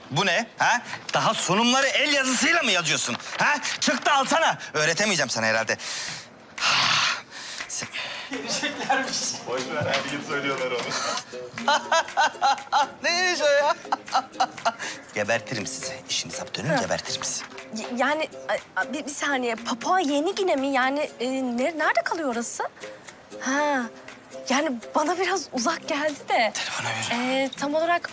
Bu ne? Ha? Daha sunumları el yazısıyla mı yazıyorsun? Ha? Çık da alsana. Öğretemeyeceğim sana herhalde. Geleceklermiş. Boş ver, her yıl söylüyorlar onu. Neymiş o ya? Gebertirim sizi. İşinize dönün gebertirim sizi. Yani bir saniye. Papua Yeni Gine mi? Yani nerede kalıyor orası? Ha. Yani bana biraz uzak geldi de. Telefona ver. Tam olarak...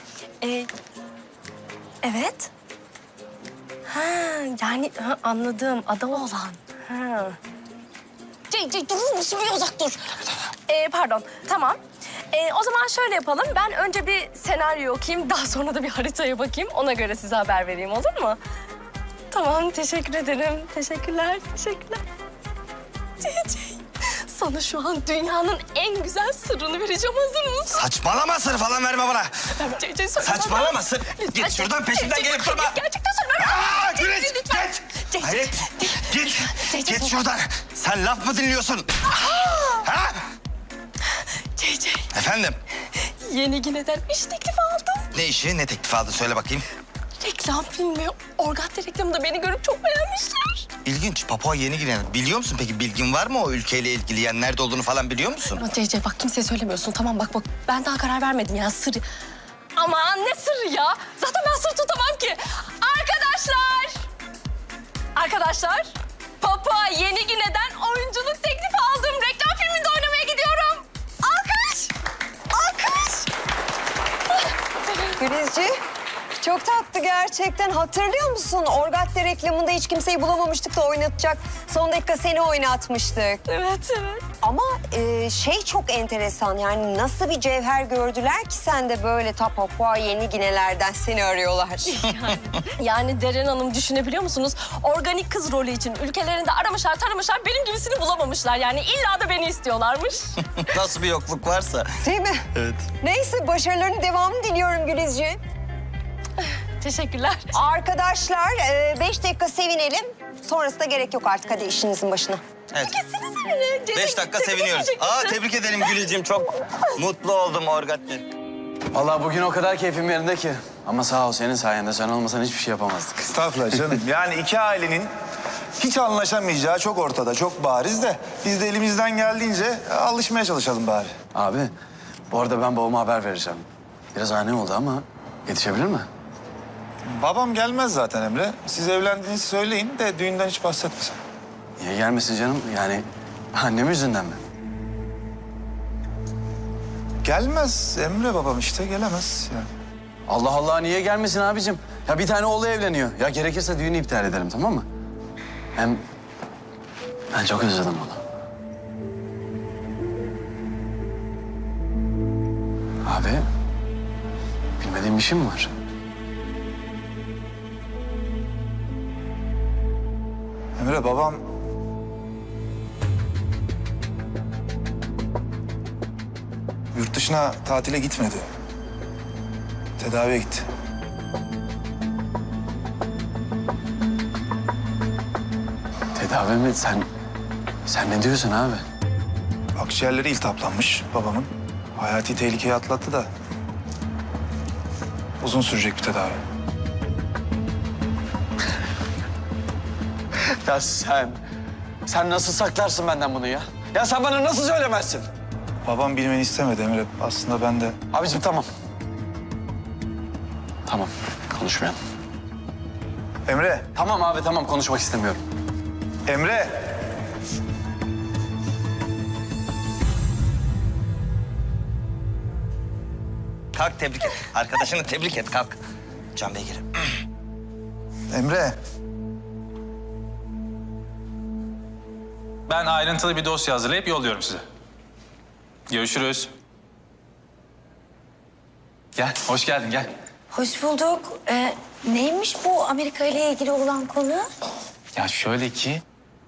evet. Ha, yani anladım. Ada olan. Ha. Durur musun? Bir uzak dur. Pardon, tamam. O zaman şöyle yapalım. Ben önce bir senaryo okuyayım. Daha sonra da bir haritaya bakayım. Ona göre size haber vereyim, olur mu? Tamam, teşekkür ederim. Teşekkürler, teşekkürler. CC, sana şu an dünyanın en güzel sırrını vereceğim. Hazır mısın? Saçmalama, sır falan verme bana. CC, söyle. Saçmalama, sır. Git şuradan, peşimden gelip durma. Gerçekten söyle. Aa, Güneş, Lütfen. git. Hayret, git. CC, Git şuradan. Sen laf mı dinliyorsun? Ha? CC, Efendim? Yeni Gine'den iş teklifi aldım. Ne işi, ne teklifi aldı? Söyle bakayım. Reklam filmi, Orgatte reklamında beni görüp çok beğenmişler. İlginç. Papua Yeni Gine. Biliyor musun peki? Bilgin var mı o ülkeyle ilgili? Yani nerede olduğunu falan biliyor musun? Ama CC bak kimseye söylemiyorsun. Tamam bak ben daha karar vermedim ya sır. Aman ne sırrı ya? Zaten ben sır tutamam ki. Arkadaşlar, Papua Yeni Gine'den oyunculuk teklifi aldım. Reklam filminde oynamaya gidiyorum. Alkış! Alkış! Gülizci, çok tatlı gerçekten. Hatırlıyor musun? Orgatte reklamında hiç kimseyi bulamamıştık da oynatacak. Son dakika seni oynatmıştık. Evet, evet. Ama şey çok enteresan. Yani nasıl bir cevher gördüler ki sen de böyle Papua Yeni Ginelerden seni arıyorlar. Yani Deren Hanım düşünebiliyor musunuz? Organik kız rolü için ülkelerinde aramışlar, taramışlar. Benim gibisini bulamamışlar. Yani illa da beni istiyorlarmış. Nasıl bir yokluk varsa. Değil mi? Evet. Neyse başarılarının devamını diliyorum Gülizci. Teşekkürler. Arkadaşlar 5 dakika sevinelim. Sonrası da gerek yok artık. Hadi işinizin başına. Evet. Gitsiniz beni. 5 dakika seviniyoruz. Tebrik ederim Gülücüğüm. Çok mutlu oldum Orgatte. Vallahi bugün o kadar keyfim yerinde ki. Ama sağ ol senin sayende. Sen olmasan hiçbir şey yapamazdık. Estağfurullah canım. Yani iki ailenin hiç anlaşamayacağı çok ortada, çok bariz de... ...biz de elimizden geldiğince alışmaya çalışalım bari. Abi bu arada ben babama haber vereceğim. Biraz ani oldu ama yetişebilir mi? Babam gelmez zaten Emre. Siz evlendiğinizi söyleyin de düğünden hiç bahsetmesin. Niye gelmesin canım? Yani annem yüzünden mi? Gelmez Emre babam işte, gelemez yani. Allah Allah niye gelmesin abicim? Ya bir tane oğlu evleniyor. Ya gerekirse düğünü iptal edelim tamam mı? Hem ben çok özledim onu. Abi bilmediğim bir şey mi var? Emre babam... ...yurt dışına tatile gitmedi. Tedaviye gitti. Tedavi mi? Sen ne diyorsun abi? Akciğerleri iltihaplanmış babamın. Hayati tehlikeyi atlattı da... ...uzun sürecek bir tedavi. Ya sen nasıl saklarsın benden bunu ya? Ya sen bana nasıl söylemezsin? Babam bilmeni istemedi Emre. Aslında ben de... Abicim tamam. Tamam konuşmayalım. Emre! Tamam abi tamam konuşmak istemiyorum. Emre! Kalk tebrik et. Arkadaşını tebrik et. Kalk. Can Bey gelin. Emre! Ben ayrıntılı bir dosya hazırlayıp yolluyorum size. Görüşürüz. Gel, hoş geldin gel. Hoş bulduk. Neymiş bu Amerika ile ilgili olan konu? Ya şöyle ki...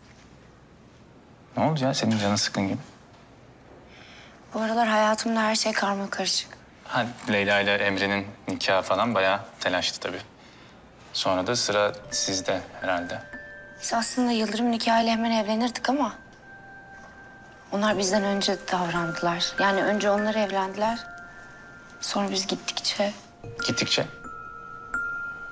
Ne oldu ya senin canın sıkkın gibi? Bu aralar hayatımda her şey karmakarışık. Ha, Leyla ile Emre'nin nikahı falan bayağı telaşlı tabii. Sonra da sıra sizde herhalde. Biz aslında Yıldırım nikahıyla hemen evlenirdik ama... ...onlar bizden önce davrandılar. Yani önce onlar evlendiler. Sonra biz gittikçe... Gittikçe.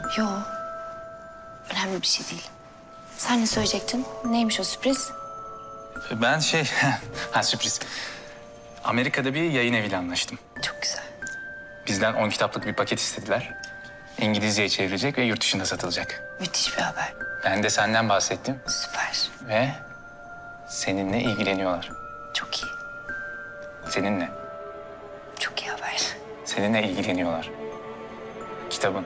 Yo. Önemli bir şey değil. Sen ne söyleyecektin? Neymiş o sürpriz? Ben ha sürpriz. Amerika'da bir yayın eviyle anlaştım. Çok güzel. Bizden 10 kitaplık bir paket istediler. İngilizceye çevrilecek ve yurt dışında satılacak. Müthiş bir haber. Ben de senden bahsettim Süper. ve seninle ilgileniyorlar. Çok iyi. Seninle. Çok iyi haber. Seninle ilgileniyorlar. Kitabın.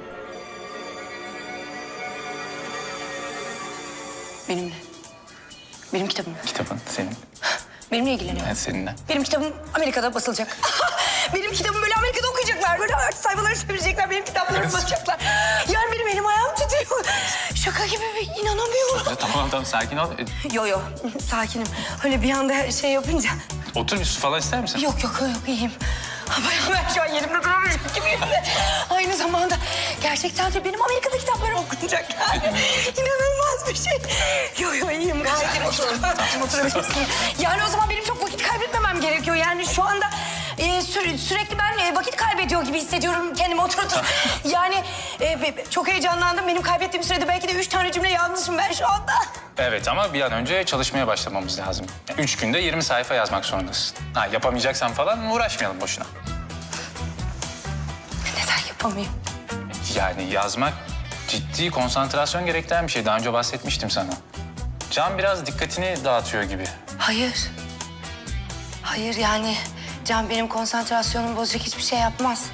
Benimle. Benim kitabım. Kitabın senin. Benimle ilgileniyor. Evet seninle. Benim kitabım Amerika'da basılacak. Benim kitabım böyle Amerika'da okuyacaklar. Böyle sayfaları çevirecekler. Benim kitaplarımı basacaklar. Yani benim elim ayağım titriyor. Şaka gibi inanamıyorum. Tamam sakin ol. Yo sakinim. Öyle bir anda şey yapınca. Otur bir su falan ister misin? Yok iyiyim. Bayağı ben şu an yerimde duramayacak gibiyim de. Aynı zamanda gerçekten de benim Amerika'da kitaplarım okunacak yani. İnanılmaz bir şey. Yo iyiyim gayet iyiyim. Oturabilirsin. Yani o zaman benim çok vakit kaybetmemem gerekiyor. Yani şu anda sürekli ben vakit kaybediyor gibi hissediyorum kendimi oturup. Yani çok heyecanlandım. Benim kaybettiğim sürede belki de 3 tane cümle yazmışım ben şu anda. Evet ama bir an önce çalışmaya başlamamız lazım. 3 günde 20 sayfa yazmak zorundasın. Ha, yapamayacaksan falan uğraşmayalım boşuna. Neden yapamayayım? Yani yazmak ciddi konsantrasyon gerektiren bir şey. Daha önce bahsetmiştim sana. Can biraz dikkatini dağıtıyor gibi. Hayır yani Can benim konsantrasyonumu bozacak hiçbir şey yapmaz.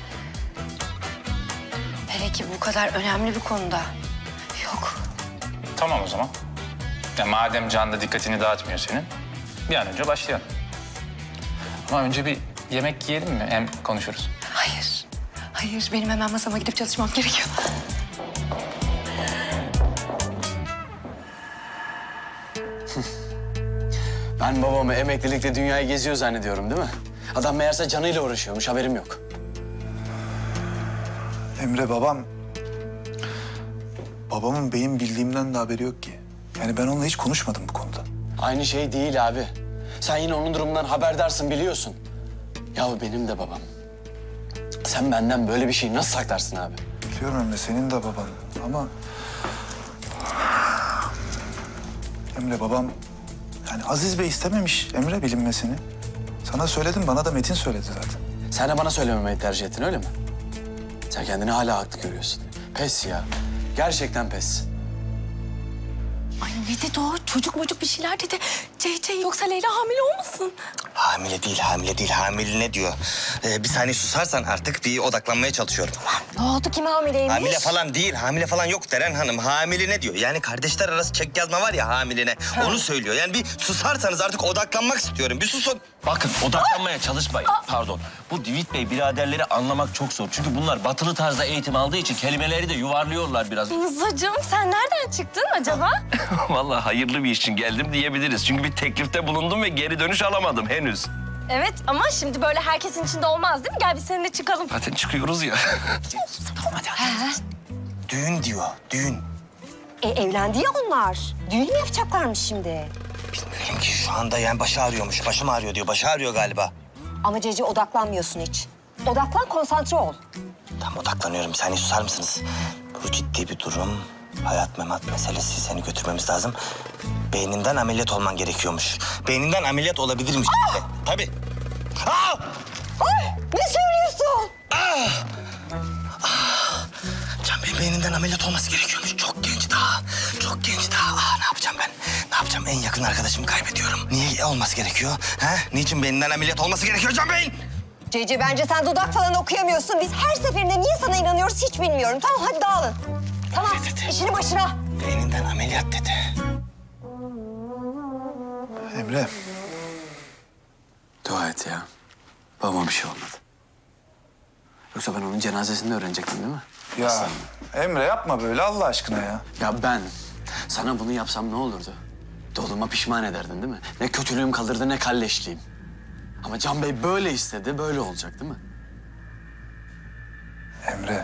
Hele ki bu kadar önemli bir konuda. Yok. Tamam o zaman. Ya madem Can da dikkatini dağıtmıyor senin, bir an önce başlayalım. Ama önce bir yemek yiyelim mi? Hem konuşuruz. Hayır benim hemen masama gidip çalışmam gerekiyor. Ben babamı emeklilikle dünyayı geziyor zannediyorum değil mi? Adam meğerse canıyla uğraşıyormuş, haberim yok. Emre babam... Babamın benim bildiğimden de haberi yok ki. Yani ben onunla hiç konuşmadım bu konuda. Aynı şey değil abi. Sen yine onun durumundan haberdarsın, biliyorsun. Ya benim de babam. Sen benden böyle bir şeyi nasıl saklarsın abi? Biliyorum Emre, senin de baban ama... Emre babam... Yani Aziz Bey istememiş Emre bilinmesini. Sana söyledim, bana da Metin söyledi zaten. Sen de bana söylememeyi tercih ettin öyle mi? Sen kendini hala haklı görüyorsun. Pes ya. Gerçekten pes. Ay ne dedi o? Çocuk bir şeyler dedi. CC yoksa Leyla hamile olmasın? Hamile değil, hamile değil. Hamile ne diyor? Bir saniye susarsan artık bir odaklanmaya çalışıyorum. Ne oldu, kim hamileymiş? Hamile falan değil, hamile falan yok Deren Hanım. Hamile ne diyor? Yani kardeşler arası çek yazma var ya hamiline. Onu söylüyor. Yani bir susarsanız artık odaklanmak istiyorum. Bir susun. Bakın odaklanmaya çalışmayın. Pardon. Bu Divit Bey biraderleri anlamak çok zor. Çünkü bunlar batılı tarzda eğitim aldığı için kelimeleri de yuvarlıyorlar biraz. Rıza'cığım sen nereden çıktın acaba? Vallahi hayırlı bir iş için geldim diyebiliriz. Çünkü bir teklifte bulundum ve geri dönüş alamadım henüz. Evet ama şimdi böyle herkesin içinde olmaz değil mi? Gel biz seninle çıkalım. Zaten çıkıyoruz ya. Düğün diyor, düğün. Evlendi ya onlar. Düğün mü yapacaklarmış şimdi? Bilmiyorum ki şu anda yani başı ağrıyormuş. Başım ağrıyor diyor. Başı ağrıyor galiba. Ama Cece odaklanmıyorsun hiç. Odaklan, konsantre ol. Tam odaklanıyorum. Bir saniye susar mısınız? Bu ciddi bir durum. Hayat memat meselesi. Seni götürmemiz lazım. Beyninden ameliyat olman gerekiyormuş. Beyninden ameliyat olabilirmiş. Tabii. Aa! Ne söylüyorsun? Can Bey beyninden ameliyat olması gerekiyormuş. Çok genç daha. Çok genç daha. Ne yapacağım ben? Ne yapacağım? En yakın arkadaşımı kaybediyorum. Niye olması gerekiyor? Ha? Niçin beyninden ameliyat olması gerekiyor Can Bey'in? Cece bence sen dudak falan okuyamıyorsun. Biz her seferinde niye sana inanıyoruz hiç bilmiyorum. Tamam hadi dağılın. Tamam işini başına. Beyninden ameliyat dedi. Emre, Dua et ya. Babama bir şey olmadı. Yoksa ben onun cenazesini de öğrenecektim değil mi? ya Emre yapma böyle Allah aşkına ya. Ya ben sana bunu yapsam ne olurdu? Doğduğuma pişman ederdin değil mi? Ne kötülüğüm kalırdı ne kalleşliğim. Ama Can Bey böyle istedi, böyle olacak değil mi? Emre.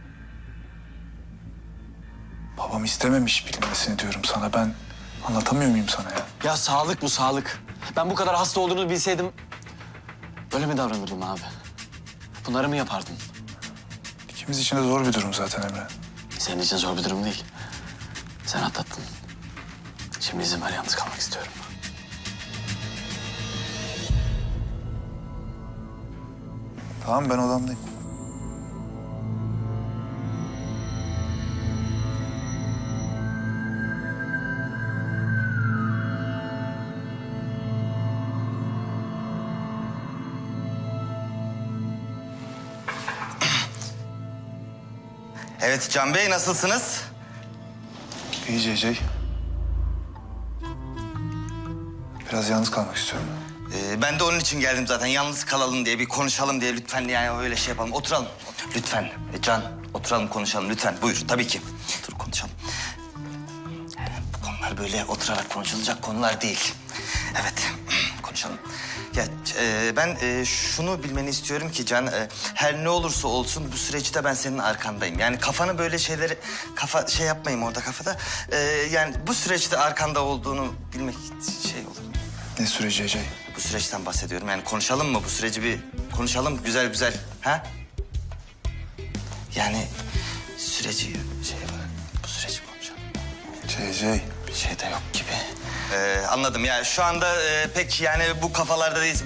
Babam istememiş bilinmesini diyorum sana. Ben anlatamıyor muyum sana ya? Ya sağlık bu, sağlık. Ben bu kadar hasta olduğunu bilseydim... böyle mi davranırdım abi? Bunları mı yapardım? İkimiz için de zor bir durum zaten Emre. Senin için zor bir durum değil. Sen atlattın. Şimdi izin ver, yalnız kalmak istiyorum. Tamam, ben odamdayım. Evet Can Bey, nasılsınız? İyi CC. Biraz yalnız kalmak istiyorum. Ben de onun için geldim zaten. Yalnız kalalım diye, bir konuşalım diye. Lütfen yani öyle şey yapalım. Oturalım. Lütfen. Can, oturalım konuşalım lütfen. Buyur, tabii ki. Otur konuşalım. Bu konular böyle oturarak konuşulacak konular değil. Evet, konuşalım. Ya ben şunu bilmeni istiyorum ki Can, her ne olursa olsun bu süreçte ben senin arkandayım. Yani kafanı böyle şeyleri, şey yapmayayım orada kafada. Yani bu süreçte arkanda olduğunu bilmek şey olur. Ne süreci CC? Bu süreçten bahsediyorum. Yani konuşalım mı? Bu süreci bir konuşalım güzel güzel. Ha? Yani süreci şey var. Bu süreci konuşalım. CC. Bir şey de yok gibi. Anladım ya. Şu anda pek yani bu kafalarda değilsin.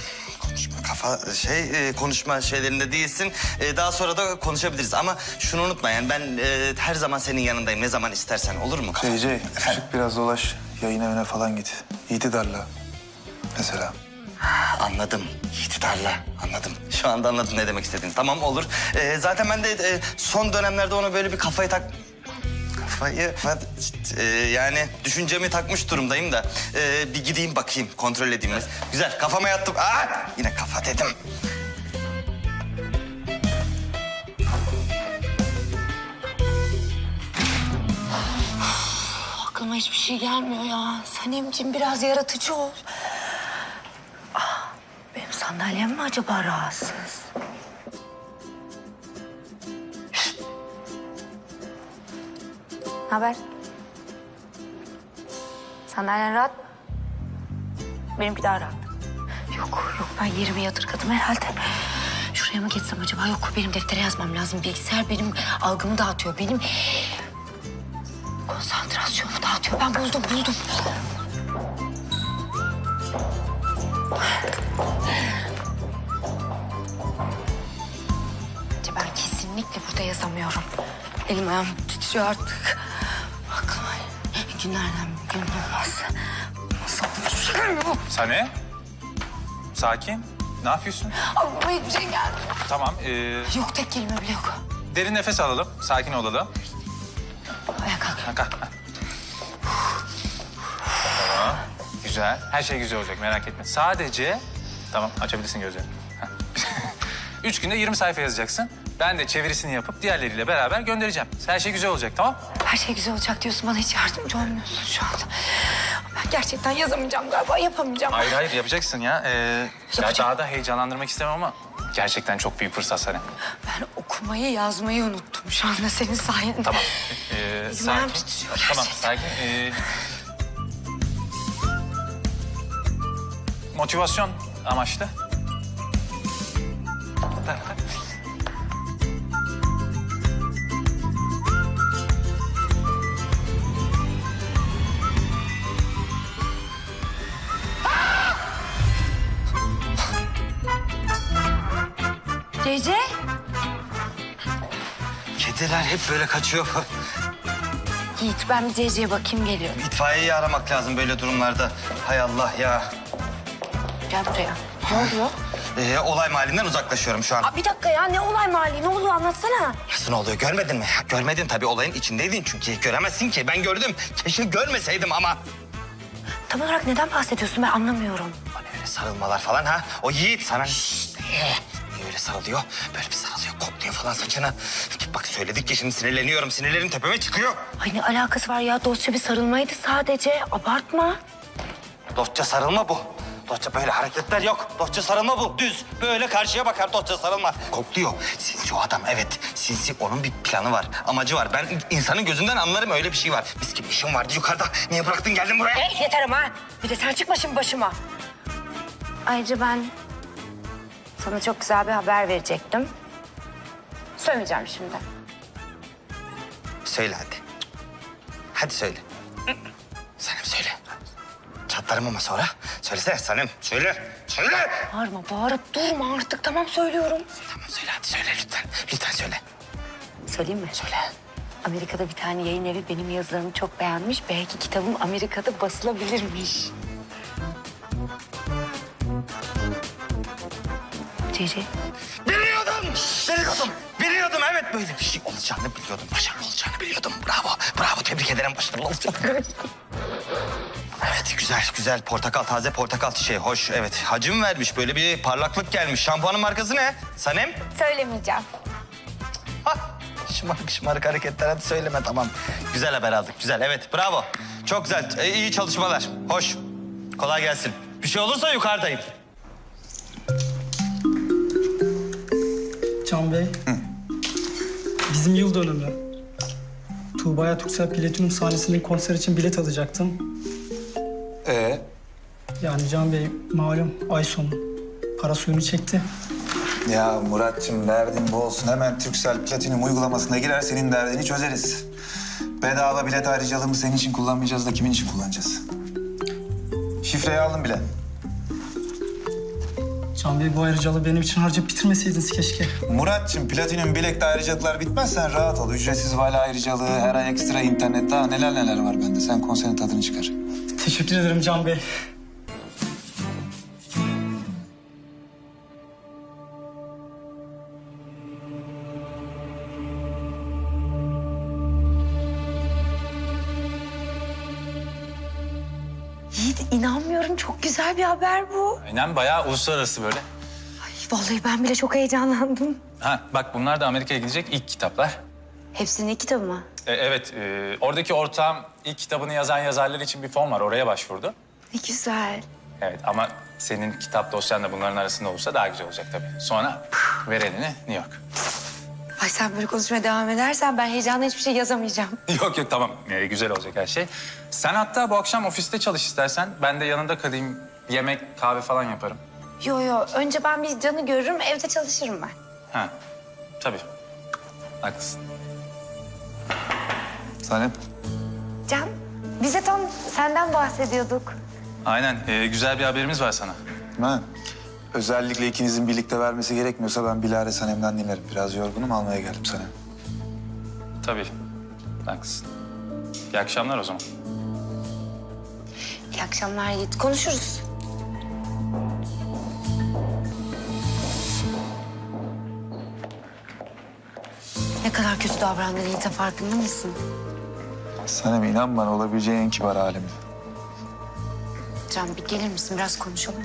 Konuşma şeylerinde değilsin. Daha sonra da konuşabiliriz. Ama şunu unutma yani ben her zaman senin yanındayım. Ne zaman istersen olur mu? CC, çık biraz dolaş. Yayın evine falan git. Yiğit'i darla. Mesela. Anladım. İktidarla. Anladım. Şu anda anladım ne demek istediğini. Tamam olur. Zaten ben de son dönemlerde ona böyle bir kafayı yani düşüncemi takmış durumdayım da bir gideyim bakayım, kontrol edeyim. Güzel, kafama yattım. Yine kafa dedim. Aklıma hiçbir şey gelmiyor ya. Sanemciğim biraz yaratıcı ol. Benim sandalyem mi acaba rahatsız? Ne haber? Sandalyen rahat mı? Benimki daha rahat. Yok ben yerime yadırgadım herhalde. Şuraya mı geçsem acaba? Yok benim deftere yazmam lazım. Bilgisayar benim algımı dağıtıyor. Benim konsantrasyonumu dağıtıyor. Ben buldum. Ben kesinlikle burada yazamıyorum. Elim ayağım titriyor artık. Aklıma günlerden bir gün olmaz. Nasıl olur? Sane. Sakin. Ne yapıyorsun? Aklıma hiçbir şey gelmiyor. Tamam. Yok tek kelime bile yok. Derin nefes alalım. Sakin olalım. Ayağa kalk. Kalk. Tamam. Güzel. Her şey güzel olacak. Merak etme. Sadece... Tamam. Açabilirsin gözlerini. Heh. 3 günde 20 sayfa yazacaksın. Ben de çevirisini yapıp diğerleriyle beraber göndereceğim. Her şey güzel olacak, tamam? Her şey güzel olacak diyorsun. Bana hiç yardımcı olmuyorsun şu anda. Ben gerçekten yazamayacağım galiba. Yapamayacağım. Hayır yapacaksın ya. Daha da heyecanlandırmak istemem ama gerçekten çok büyük fırsat sana. Ben okumayı yazmayı unuttum şu anda senin sayende. Tamam. Elim ayağım titriyor Tamam, gerçekten. sakin. Motivasyon amaçlı. Tak. Cece? Kediler hep böyle kaçıyor. Yiğit ben bir Cece'ye bakayım geliyorum. İtfaiyeyi aramak lazım böyle durumlarda. Hay Allah ya. Gel buraya. Ne oluyor? Olay mahallinden uzaklaşıyorum şu an. Bir dakika ya ne olay mahalli ne oluyor anlatsana. Nasıl oluyor görmedin mi? Görmedin tabii olayın içindeydin çünkü. Göremezsin ki ben gördüm. Keşke görmeseydim ama. Tam olarak neden bahsediyorsun ben anlamıyorum. Hani öyle sarılmalar falan ha? O Yiğit sana niye öyle sarılıyor? Böyle bir sarılıyor, kokluyor falan saçını. Bak söyledik ya şimdi sinirleniyorum. Sinirlerim tepeme çıkıyor. Ay ne alakası var ya dostça bir sarılmaydı sadece abartma. Dostça sarılma bu. Dostça böyle hareketler yok. Dostça sarılma bu. Düz. Böyle karşıya bakar dostça sarılma. Kokluyor. Sinsi o adam evet. Sinsi onun bir planı var. Amacı var. Ben insanın gözünden anlarım öyle bir şey var. Mis gibi işim vardı yukarıda. Niye bıraktın geldin buraya? Yeter ama ha. Bir de sen çıkma şimdi başıma. Ayrıca ben sana çok güzel bir haber verecektim. Söylemeyeceğim şimdi. söyle hadi. Hadi söyle. Sanem söyle. Çatlarım ama sonra. Söylesene Sanem. Söyle. Söyle. Bağırıp durma artık. Tamam söylüyorum. Tamam söyle hadi söyle lütfen. Lütfen söyle. Söyleyeyim mi? Söyle. Amerika'da bir tane yayın evi benim yazılarımı çok beğenmiş. Belki kitabım Amerika'da basılabilirmiş. Cici. Biliyordum. Evet böyle bir şey olacağını biliyordum. Başarılı olacağını biliyordum. Bravo. Tebrik ederim. Başarılı olacağını. Evet güzel. Portakal, taze portakal çiçeği. Hoş evet. Hacim vermiş. Böyle bir parlaklık gelmiş. Şampuanın markası ne? Sanem? Söylemeyeceğim. Hah. Şımarık hareketler. Hadi söyleme tamam. Güzel haber aldık. Güzel evet. Bravo. Çok güzel. İyi çalışmalar. Hoş. Kolay gelsin. Bir şey olursa yukarıdayım. Can Bey. Bizim yıl dönümü. Tuğba'ya Türksel Platinum sahnesinin konser için bilet alacaktım. Yani Can Bey malum ay sonu. Para suyunu çekti. Ya Muratçım derdin bu olsun. Hemen Turkcell Platinum uygulamasına girer senin derdini çözeriz. Bedava bilet ayrıcalığımı senin için kullanmayacağız da kimin için kullanacağız? Şifreyi aldım bile. Can Bey bu ayrıcalığı benim için harcayıp bitirmeseydiniz keşke. Muratçım Platinum bilekte ayrıcalıklar bitmez sen rahat ol. Ücretsiz vali ayrıcalığı, her ay ekstra internet daha neler var bende. Sen konserin tadını çıkar. Teşekkür ederim Can Bey. Yiğit inanmıyorum. Çok güzel bir haber bu. Aynen bayağı uluslararası böyle. Vallahi ben bile çok heyecanlandım. Ha bak bunlar da Amerika'ya gidecek ilk kitaplar. Hepsinin kitabı mı? Evet, oradaki ortağım ilk kitabını yazan yazarlar için bir fon var. Oraya başvurdu. Ne güzel. Evet ama senin kitap dosyan da bunların arasında olursa daha güzel olacak tabii. Sonra ver elini New York. Ay sen böyle konuşmaya devam edersen ben heyecanla hiçbir şey yazamayacağım. Yok tamam. Güzel olacak her şey. Sen hatta bu akşam ofiste çalış istersen. Ben de yanında kalayım. Yemek, kahve falan yaparım. Yo. Önce ben bir Can'ı görürüm, evde çalışırım ben. Ha, tabii. Haklısın. Sanem. Can, biz de tam senden bahsediyorduk. Aynen. Güzel bir haberimiz var sana. Ha. Özellikle ikinizin birlikte vermesi gerekmiyorsa ben bilahare Sanem'den dinlerim. Biraz yorgunum almaya geldim Sanem. Tabii. Haklısın. İyi akşamlar o zaman. İyi akşamlar Yiğit, konuşuruz. Ne kadar kötü davrandın Yiğit'e farkında mısın? Sanem inan bana olabileceğin en kibar halim. Can bir gelir misin? Biraz konuşalım mı?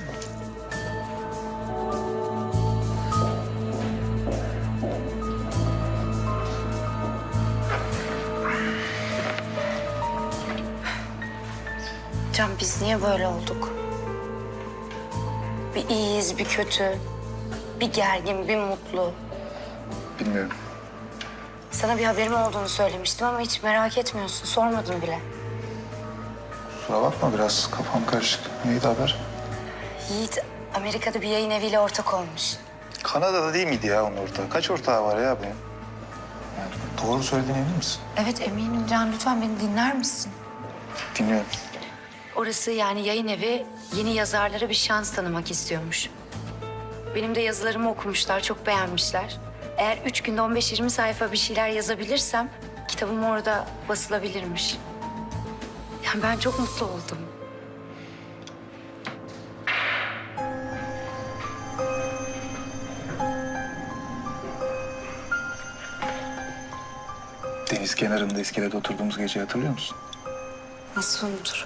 Can biz niye böyle olduk? Bir iyiyiz, bir kötü. Bir gergin, bir mutlu. Bilmiyorum. Sana bir haberim olduğunu söylemiştim ama hiç merak etmiyorsun. Sormadın bile. Kusura bakma biraz kafam karışık. Neydi haber? Yiğit Amerika'da bir yayın eviyle ortak olmuş. Kanada'da değil miydi ya onun ortağı? Kaç ortağı var ya benim? Yani doğru söylediğine emin misin? Evet eminim Can. Lütfen beni dinler misin? Dinliyorum. Orası yani yayın evi yeni yazarlara bir şans tanımak istiyormuş. Benim de yazılarımı okumuşlar, çok beğenmişler. Eğer 3 günde 15-20 sayfa bir şeyler yazabilirsem kitabım orada basılabilirmiş. Yani ben çok mutlu oldum. Deniz kenarında iskelede oturduğumuz geceyi hatırlıyor musun? Nasıl unuturum?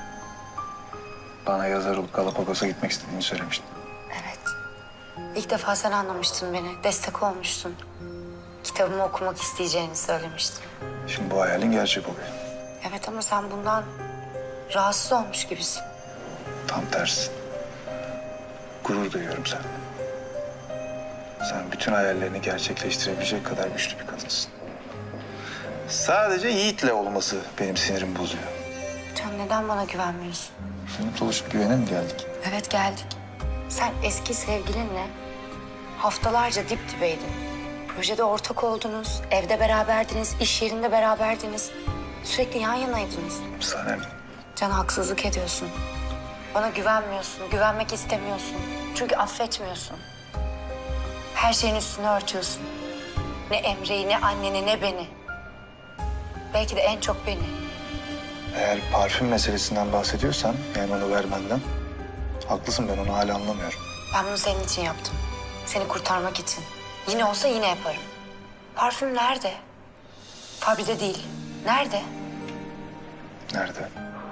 Bana yazar olup Galapagos'a gitmek istediğini söylemiştin. Evet. İlk defa sen anlamıştın beni, destek olmuştun. Kitabımı okumak isteyeceğini söylemiştin. Şimdi bu hayalin gerçek oluyor. Evet ama sen bundan rahatsız olmuş gibisin. Tam tersi. Gurur duyuyorum seninle. Sen bütün hayallerini gerçekleştirebilecek kadar güçlü bir kadınsın. Sadece Yiğit'le olması benim sinirimi bozuyor. Can neden bana güvenmiyorsun? Senin oluşup güvene mi geldik? Evet geldik. Sen eski sevgilinle haftalarca dip dibeydin. Projede ortak oldunuz, evde beraberdiniz, iş yerinde beraberdiniz. Sürekli yan yanaydınız. Sanem, Can, haksızlık ediyorsun. Bana güvenmiyorsun, güvenmek istemiyorsun. Çünkü affetmiyorsun. Her şeyin üstünü örtüyorsun. Ne Emre'yi, ne anneni, ne beni. Belki de en çok beni. eğer parfüm meselesinden bahsediyorsan, yani onu vermenden, haklısın, ben onu hala anlamıyorum. Ben bunu senin için yaptım. Seni kurtarmak için. Yine olsa yine yaparım. Parfüm nerede? Fabride değil. Nerede? Nerede?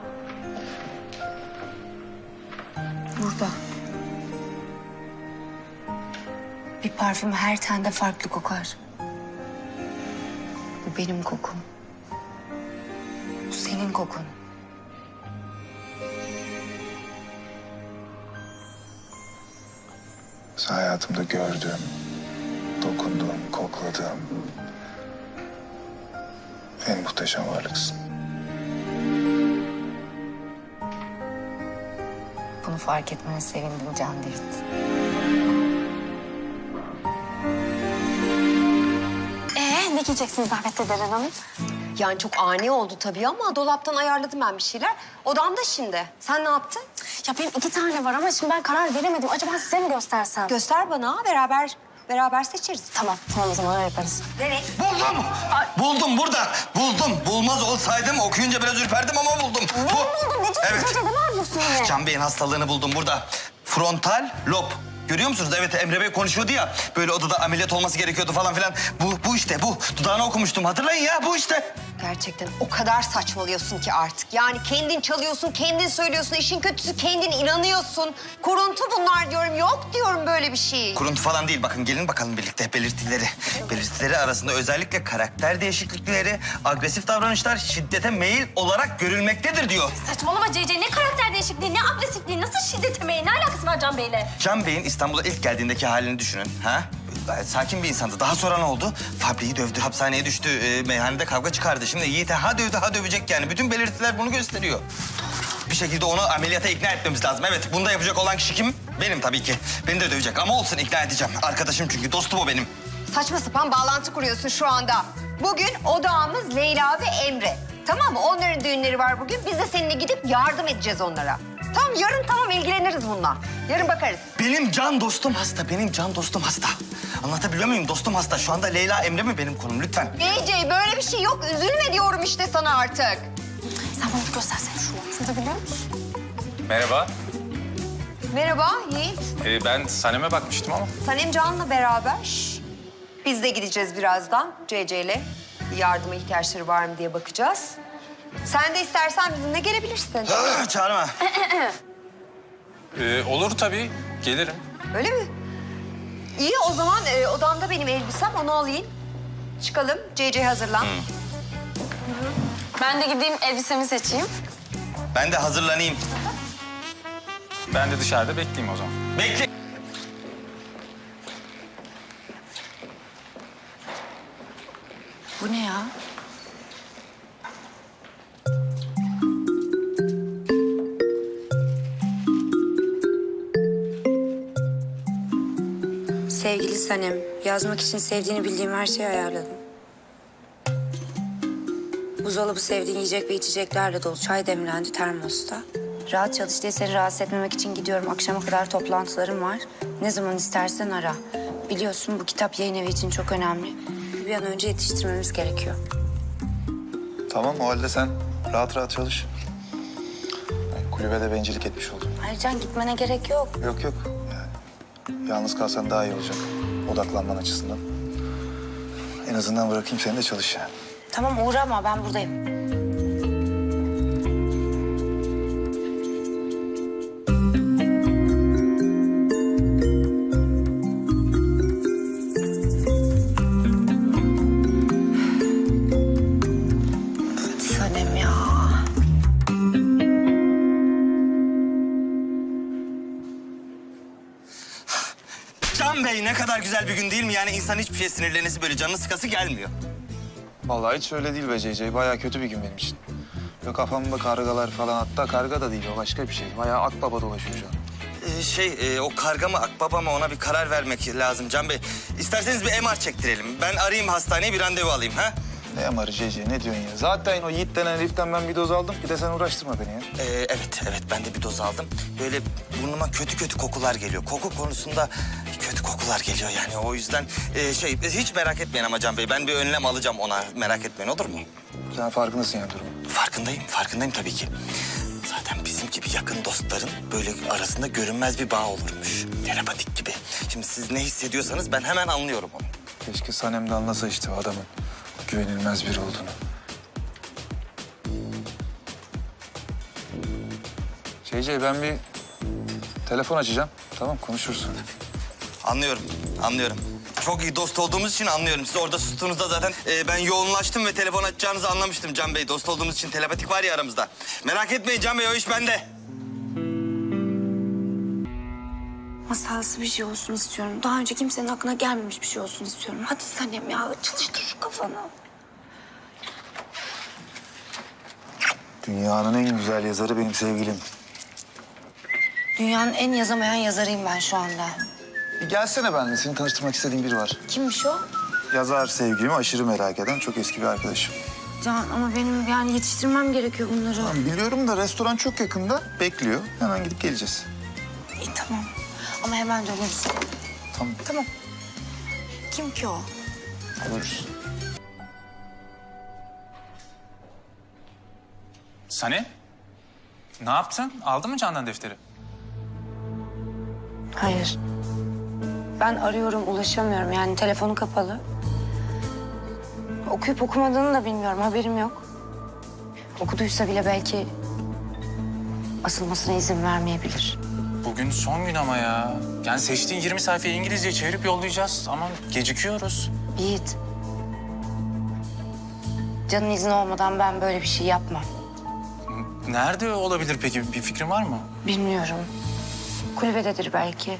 Burada. Bir parfüm her tende farklı kokar. Bu benim kokum. Bu senin kokun. Sen hayatımda gördüğüm, dokunduğum, kokladığım en muhteşem varlıksın. Bunu fark etmene sevindim Can David. Ne giyeceksiniz davette Deren Hanım? Yani çok ani oldu tabii ama dolaptan ayarladım ben bir şeyler. Odamda şimdi. Sen ne yaptın? Ya benim 2 tane var ama şimdi ben karar veremedim. Acaba size mi göstersem? Göster bana, beraber seçeriz. Tamam o zaman öyle yaparız. Nereye? Buldum! Buldum burada. Buldum. Bulmaz olsaydım okuyunca biraz ürperdim ama buldum. Ne buldun? Ne Evet. diyorsun? Ne yapıyorsun yine? Can Bey'in hastalığını buldum burada. Frontal lob. Görüyor musunuz? Evet, Emre Bey konuşuyordu ya. Böyle odada ameliyat olması gerekiyordu falan filan. Bu işte bu. Dudağını okumuştum. Hatırlayın ya, bu işte. Gerçekten o kadar saçmalıyorsun ki artık. Yani kendin çalıyorsun, kendin söylüyorsun. İşin kötüsü kendin inanıyorsun. Kuruntu bunlar diyorum. Yok diyorum böyle bir şey. Kuruntu falan değil. Bakın gelin bakalım birlikte belirtileri. Belirtileri arasında özellikle karakter değişiklikleri, agresif davranışlar şiddete meyil olarak görülmektedir diyor. Saçmalama CC. Ne karakter değişikliği, ne agresifliği, nasıl şiddet emeği? Ne alakası var Can Bey'le? Can Bey'in İstanbul'a ilk geldiğindeki halini düşünün. Ha? Gayet sakin bir insandı. Daha sonra ne oldu? Fabriği dövdü, hapishaneye düştü, meyhanede kavga çıkardı. Şimdi Yiğit'e ha dövdü, ha dövecek yani. Bütün belirtiler bunu gösteriyor. Bir şekilde onu ameliyata ikna etmemiz lazım. Evet, bunu da yapacak olan kişi kim? Benim tabii ki. Beni de dövecek ama olsun, ikna edeceğim. Arkadaşım çünkü, dostum o benim. Saçma sapan bağlantı kuruyorsun şu anda. Bugün odağımız Leyla ve Emre. Tamam mı? Onların düğünleri var bugün. Biz de seninle gidip yardım edeceğiz onlara. Tamam, yarın tamam ilgileniriz bununla. Yarın bakarız. Benim can dostum hasta, benim can dostum hasta. Anlatabiliyor muyum? Dostum hasta. Şu anda Leyla, Emre mi benim konum? Lütfen. CC böyle bir şey yok. Üzülme diyorum işte sana artık. Sen bana bir göstersene şunu. Sen de biliyor musun? Merhaba. Merhaba Yiğit. Ben Sanem'e bakmıştım ama. Sanem Can'la beraber. Biz de gideceğiz birazdan CC ile. Yardıma ihtiyaçları var mı diye bakacağız. Sen de istersen bizimle gelebilirsin. Çağırma. Olur tabii. Gelirim. Öyle mi? İyi o zaman odamda benim elbisem, onu alayım. Çıkalım. CC hazırlan. Ben de gideyim elbisemi seçeyim. Ben de hazırlanayım. Ben de dışarıda bekleyeyim o zaman. Bekle. Bu ne ya? Sevgili Sanem, yazmak için sevdiğini bildiğim her şeyi ayarladım. Buzdolabı sevdiğin yiyecek ve içeceklerle dolu. Çay demlendi termosta. Rahat çalış diye seni rahatsız etmemek için gidiyorum. Akşama kadar toplantılarım var. Ne zaman istersen ara. Biliyorsun bu kitap yayın evi için çok önemli. Bir an önce yetiştirmemiz gerekiyor. Tamam, o halde sen rahat rahat çalış. Yani kulübede bencillik etmiş oldum. Ayrıca gitmene gerek yok. Yok yok. Yani yalnız kalsan daha iyi olacak. Odaklanman açısından. En azından bırakayım seni de çalış yani. Tamam uğrama, ben buradayım. Sanem ya. Can Bey, ne kadar güzel bir gün değil mi? Yani insan hiçbir şey sinirlenesi, böyle canını sıkası gelmiyor. Vallahi hiç öyle değil be CC. Bayağı kötü bir gün benim için. Böyle kafamda kargalar falan, hatta karga da değil, o başka bir şey. Bayağı akbaba dolaşıyor şu an. O karga mı akbaba mı ona bir karar vermek lazım Can Bey. İsterseniz bir MR çektirelim. Ben arayayım hastaneye bir randevu alayım ha? Ne amarı Cece, ne diyorsun ya? Zaten o Yiğit denen heriften ben bir doz aldım. Bir de sen uğraştırma beni ya. Evet ben de bir doz aldım. Böyle burnuma kötü kokular geliyor. Koku konusunda kötü kokular geliyor yani. O yüzden hiç merak etmeyin ama Can Bey. Ben bir önlem alacağım ona. Merak etmeyin olur mu? Sen farkındasın yani durumun. Farkındayım tabii ki. Zaten bizim gibi yakın dostların böyle arasında görünmez bir bağ olurmuş. Telepatik gibi. Şimdi siz ne hissediyorsanız ben hemen anlıyorum onu. Keşke Sanem de anlasa işte o adamın güvenilmez biri olduğunu. Cece, ben bir telefon açacağım. Tamam, konuşuruz. Anlıyorum. Çok iyi dost olduğumuz için anlıyorum. Siz orada sustuğunuzda zaten ben yoğunlaştım ve telefon açacağınızı anlamıştım Can Bey. Dost olduğumuz için telepatik var ya aramızda. Merak etmeyin Can Bey, o iş bende. Masalsı bir şey olsun istiyorum. Daha önce kimsenin aklına gelmemiş bir şey olsun istiyorum. Hadi Sanem ya, çalıştır şu kafanı. Dünyanın en güzel yazarı benim sevgilim. Dünyanın en yazamayan yazarıyım ben şu anda. Bir gelsene benimle. Seni tanıştırmak istediğim biri var. Kimmiş o? Yazar sevgilimi aşırı merak eden çok eski bir arkadaşım. Can ama benim yani yetiştirmem gerekiyor bunları. Tamam, biliyorum da restoran çok yakında. Bekliyor. Hemen gidip geleceğiz. İyi tamam. Ama hemen döneriz. Tamam. Tamam. Kim ki o? Görüşürüz. Sani? Ne yaptın? Aldın mı Candan defteri? Hayır. Ben arıyorum, ulaşamıyorum. Yani telefonu kapalı. Okuyup okumadığını da bilmiyorum, haberim yok. Okuduysa bile belki asılmasına izin vermeyebilir. Bugün son gün ama ya. Yani seçtiğin 20 sayfayı İngilizce çevirip yollayacağız ama gecikiyoruz. Yiğit. Can'ın izni olmadan ben böyle bir şey yapmam. Nerede olabilir peki? Bir fikrin var mı? Bilmiyorum. Kulübededir belki.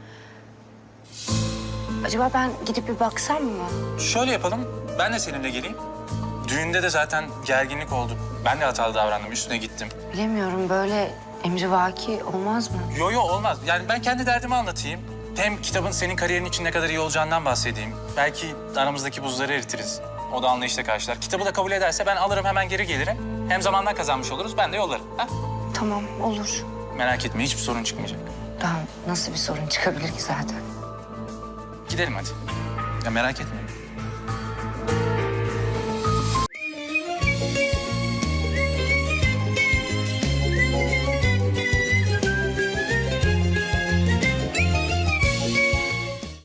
Acaba ben gidip bir baksam mı? Şöyle yapalım. Ben de seninle geleyim. Düğünde de zaten gerginlik oldu. Ben de hatalı davrandım. Üstüne gittim. Bilemiyorum, böyle emrivaki olmaz mı? Yo olmaz. Yani ben kendi derdimi anlatayım. Hem kitabın senin kariyerin için ne kadar iyi olacağından bahsedeyim. Belki aramızdaki buzları eritiriz. O da anlayışla karşılar. Kitabı da kabul ederse ben alırım hemen geri gelirim. Hem zamandan kazanmış oluruz. Ben de yollarım. Ha? Tamam, olur. Merak etme hiçbir sorun çıkmayacak. Daha nasıl bir sorun çıkabilir ki zaten? Gidelim hadi. Ya merak etme.